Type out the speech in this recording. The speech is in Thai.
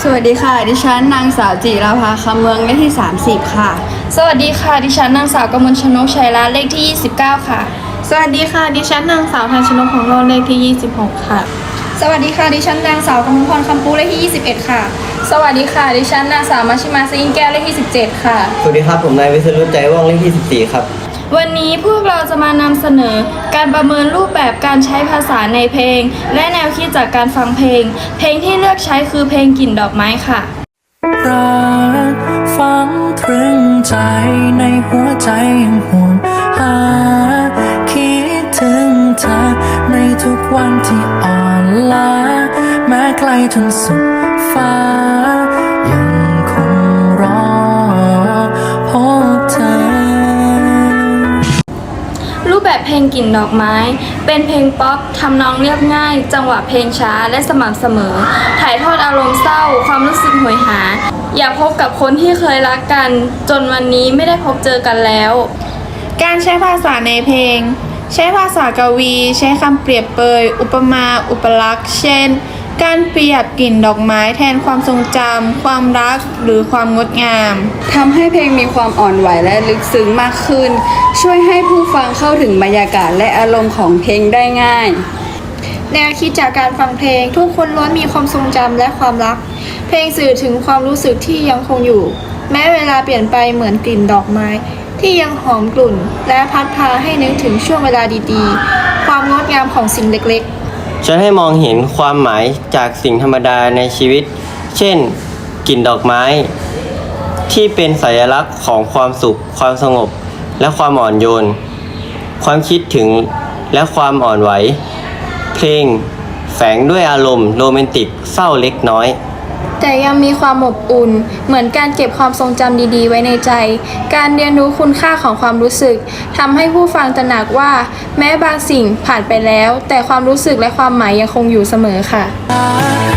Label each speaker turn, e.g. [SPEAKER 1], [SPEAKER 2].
[SPEAKER 1] วัสดีค่ะดิฉันนางสาวจิราภาคำเมืองเลขที่30ค่ะ
[SPEAKER 2] สวัสดีค่ะดิฉันนางสาวกมลชนกชัยรัตน์เลขที่29ค่ะ
[SPEAKER 3] สวัสดีค่ะดิฉันนางสาวทันชนกของโลเลขที่26ค่ะ
[SPEAKER 2] สวัสดีค่ะดิฉันนางสาวกมลพรคำปูเลขที่21ค่ะสวัสดีค่ะดิฉันนางสาวมัชชิมาซิงแก้วเลขที่17ค่ะ
[SPEAKER 4] สวัสดีครับผมนายวิศรุตใจว่องเลขที่14ครับ
[SPEAKER 2] วันนี้พวกเราจะมานำเสนอการประเมินรูปแบบการใช้ภาษาในเพลงและแนวคิดจากการฟังเพลงที่เลือกใช้คือเพลงกลิ่นดอกไม้ค่ะ
[SPEAKER 5] รักฝังตรึงใจในหัวใจยังห่วงหาคิดถึงเธอในทุกวันที่อ่อนล้าแม้ไกลจนสุดฟ้ายังคงรอพบเธอ
[SPEAKER 2] รูปแบบเพลงกลิ่นดอกไม้เป็นเพลงป๊อปทำนองเรียบง่ายจังหวะเพลงช้าและสม่ำเสมอถ่ายทอดอารมณ์เศร้าความรู้สึกหวยหาอยากพบกับคนที่เคยรักกันจนวันนี้ไม่ได้พบเจอกันแล้ว
[SPEAKER 3] การใช้ภาษาในเพลงใช้ภาษากวีใช้คำเปรียบเปยอุปมาอุปลักษณ์เช่นการเปรียบกลิ่นดอกไม้แทนความทรงจำความรักหรือความงดงาม
[SPEAKER 1] ทำให้เพลงมีความอ่อนไหวและลึกซึ้งมากขึ้นช่วยให้ผู้ฟังเข้าถึงบรรยากาศและอารมณ์ของเพลงได้ง่าย
[SPEAKER 3] แนวคิดจากการฟังเพลงทุกคนล้วนมีความทรงจำและความรักเพลงสื่อถึงความรู้สึกที่ยังคงอยู่แม้เวลาเปลี่ยนไปเหมือนกลิ่นดอกไม้ที่ยังหอมกลุ่นและพัดพาให้นึกถึงช่วงเวลาดีๆความงดงามของสิ่งเล็กๆ
[SPEAKER 4] ฉันให้มองเห็นความหมายจากสิ่งธรรมดาในชีวิตเช่นกลิ่นดอกไม้ที่เป็นสัญลักษณ์ของความสุขความสงบและความอ่อนโยนความคิดถึงและความอ่อนไหวเพลงแฝงด้วยอารมณ์โรแมนติกเศร้าเล็กน้อย
[SPEAKER 3] แต่ยังมีความอบอุ่นเหมือนการเก็บความทรงจำดีๆไว้ในใจการเรียนรู้คุณค่าของความรู้สึกทำให้ผู้ฟังตระหนักว่าแม้บางสิ่งผ่านไปแล้วแต่ความรู้สึกและความหมายยังคงอยู่เสมอค่ะ